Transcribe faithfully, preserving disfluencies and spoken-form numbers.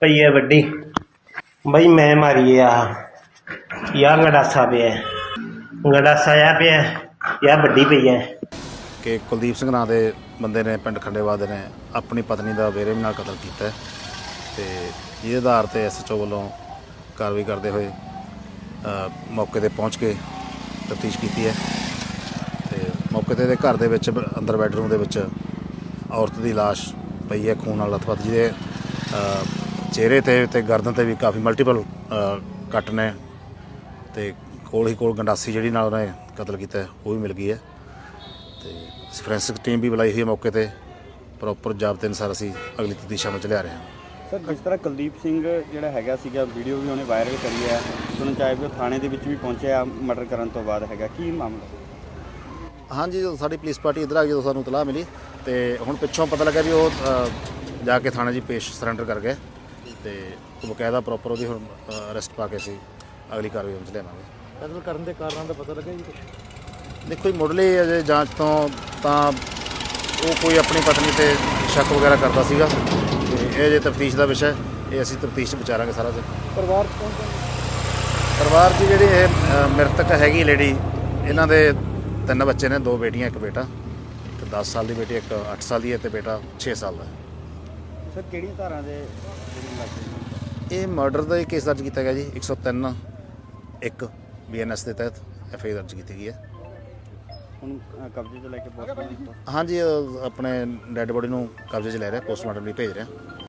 ਪਈ ਹੈ ਵੱਡੀ ਬਈ ਮੈਂ ਮਾਰੀ ਆ ਯਾ ਗੰਡਾਸਾ ਪਿਆ ਗੰਡਾਸਾ ਆ ਪਿਆ ਯਾ ਵੱਡੀ ਪਈ ਹੈ ਕਿ ਕੁਲਦੀਪ ਸਿੰਘ ਨਾਂ ਦੇ ਬੰਦੇ ਨੇ ਪਿੰਡ ਖੰਡੇਵਾਲ ਦੇ ਨੇ ਆਪਣੀ ਪਤਨੀ ਦਾ ਬੇਰਹਿਮੀ ਨਾਲ ਕਤਲ ਕੀਤਾ ਤੇ ਇਹਦੇ ਆਧਾਰ 'ਤੇ ਐਸ ਐਚ ਓ ਵੱਲੋਂ ਕਾਰਵਾਈ ਕਰਦੇ ਹੋਏ ਮੌਕੇ 'ਤੇ ਪਹੁੰਚ ਕੇ ਤਫਤੀਸ਼ ਕੀਤੀ ਹੈ ਤੇ ਮੌਕੇ 'ਤੇ ਇਹਦੇ ਘਰ ਦੇ ਵਿੱਚ ਅੰਦਰ ਬੈਡਰੂਮ ਦੇ ਵਿੱਚ ਔਰਤ ਦੀ ਲਾਸ਼ ਪਈ ਹੈ ਖੂਨ ਨਾਲ ਲੱਥਪੱਥ, ਜਿਹਦੇ ਚਿਹਰੇ 'ਤੇ ਅਤੇ ਗਰਦਨ 'ਤੇ ਵੀ ਕਾਫੀ ਮਲਟੀਪਲ ਕੱਟ ਨੇ ਅਤੇ ਕੋਲ ਹੀ ਕੋਲ ਗੰਡਾਸੀ ਜਿਹੜੀ ਨਾਲ ਉਹਨੇ ਕਤਲ ਕੀਤਾ ਉਹ ਵੀ ਮਿਲ ਗਈ ਹੈ। ਅਤੇ ਫੋਰੈਂਸਿਕ ਟੀਮ ਵੀ ਬੁਲਾਈ ਹੋਈ ਹੈ ਮੌਕੇ 'ਤੇ, ਪ੍ਰੋਪਰ ਜ਼ਾਬਤੇ ਅਨੁਸਾਰ ਅਸੀਂ ਅਗਲੀ ਤਫਤੀਸ਼ ਅਮਲ 'ਚ ਲਿਆ ਰਹੇ ਹਾਂ। ਸਰ, ਜਿਸ ਤਰ੍ਹਾਂ ਕੁਲਦੀਪ ਸਿੰਘ ਜਿਹੜਾ ਹੈਗਾ ਸੀਗਾ, ਵੀਡੀਓ ਵੀ ਉਹਨੇ ਵਾਇਰਲ ਕਰੀ ਹੈ, ਸੁਣਨ 'ਚ ਆਇਆ ਵੀ ਉਹ ਥਾਣੇ ਦੇ ਵਿੱਚ ਵੀ ਪਹੁੰਚਿਆ ਮਰਡਰ ਕਰਨ ਤੋਂ ਬਾਅਦ ਹੈਗਾ, ਕੀ ਮਾਮਲਾ? ਹਾਂਜੀ, ਜਦੋਂ ਸਾਡੀ ਪੁਲਿਸ ਪਾਰਟੀ ਇੱਧਰ ਆ ਗਈ, ਜਦੋਂ ਸਾਨੂੰ ਇਤਲਾਹ ਮਿਲੀ ਅਤੇ ਹੁਣ ਪਿੱਛੋਂ ਪਤਾ ਲੱਗਾ ਵੀ ਉਹ ਜਾ ਕੇ ਥਾਣੇ 'ਚ ਪੇਸ਼ ਸਰੈਂਡਰ ਕਰ ਗਏ ਅਤੇ ਬਕਾਇਦਾ ਪ੍ਰੋਪਰ ਉਹਦੀ ਹੁਣ ਅਰੈਸਟ ਪਾ ਕੇ ਅਸੀਂ ਅਗਲੀ ਕਾਰਵਾਈ ਵਿੱਚ ਲਿਆਵਾਂਗੇ। ਕਤਲ ਕਰਨ ਦੇ ਕਾਰਨਾਂ ਦਾ ਪਤਾ ਲੱਗਿਆ ਜੀ ਕੁਛ? ਦੇਖੋ ਜੀ, ਮੁੱਢਲੀ ਅਜੇ ਜਾਂਚ ਤੋਂ ਤਾਂ ਉਹ ਕੋਈ ਆਪਣੀ ਪਤਨੀ 'ਤੇ ਸ਼ੱਕ ਵਗੈਰਾ ਕਰਦਾ ਸੀਗਾ ਅਤੇ ਇਹ ਅਜੇ ਤਫਤੀਸ਼ ਦਾ ਵਿਸ਼ਾ, ਇਹ ਅਸੀਂ ਤਫਤੀਸ਼ 'ਚ ਵਿਚਾਰਾਂਗੇ ਸਾਰਾ ਜੀ। ਪਰਿਵਾਰ ਕੌਣ ਕੌਣ? ਪਰਿਵਾਰ ਦੀ ਜਿਹੜੀ ਇਹ ਮ੍ਰਿਤਕ ਹੈਗੀ ਲੇਡੀ, ਇਹਨਾਂ ਦੇ ਤਿੰਨ ਬੱਚੇ ਨੇ, ਦੋ ਬੇਟੀਆਂ ਇੱਕ ਬੇਟਾ, ਇੱਕ ਦਸ ਸਾਲ ਦੀ ਬੇਟੀ, ਇੱਕ ਅੱਠ ਸਾਲ ਦੀ ਹੈ ਅਤੇ ਬੇਟਾ ਛੇ ਸਾਲ ਦਾ ਹੈ। ਸਰ, ਕਿਹੜੀਆਂ ਧਾਰਾਂ ਦੇ ਇਹ ਮਰਡਰ ਦਾ ਹੀ ਕੇਸ ਦਰਜ ਕੀਤਾ ਗਿਆ ਜੀ, ਇੱਕ ਸੌ ਤਿੰਨ ਇੱਕ ਬੀ ਐਨ ਐਸ ਦੇ ਤਹਿਤ ਐਫ ਆਈ ਆਰ ਦਰਜ ਕੀਤੀ ਗਈ ਹੈ। ਹੁਣ ਕਬਜ਼ੇ 'ਚ ਲੈ ਕੇ ਪੋਸਟਮਾਰਟਮ? ਹਾਂਜੀ, ਆਪਣੇ ਡੈੱਡ ਬੋਡੀ ਨੂੰ ਕਬਜ਼ੇ 'ਚ ਲੈ ਰਿਹਾ, ਪੋਸਟਮਾਰਟਮ ਲਈ ਭੇਜ ਰਿਹਾ।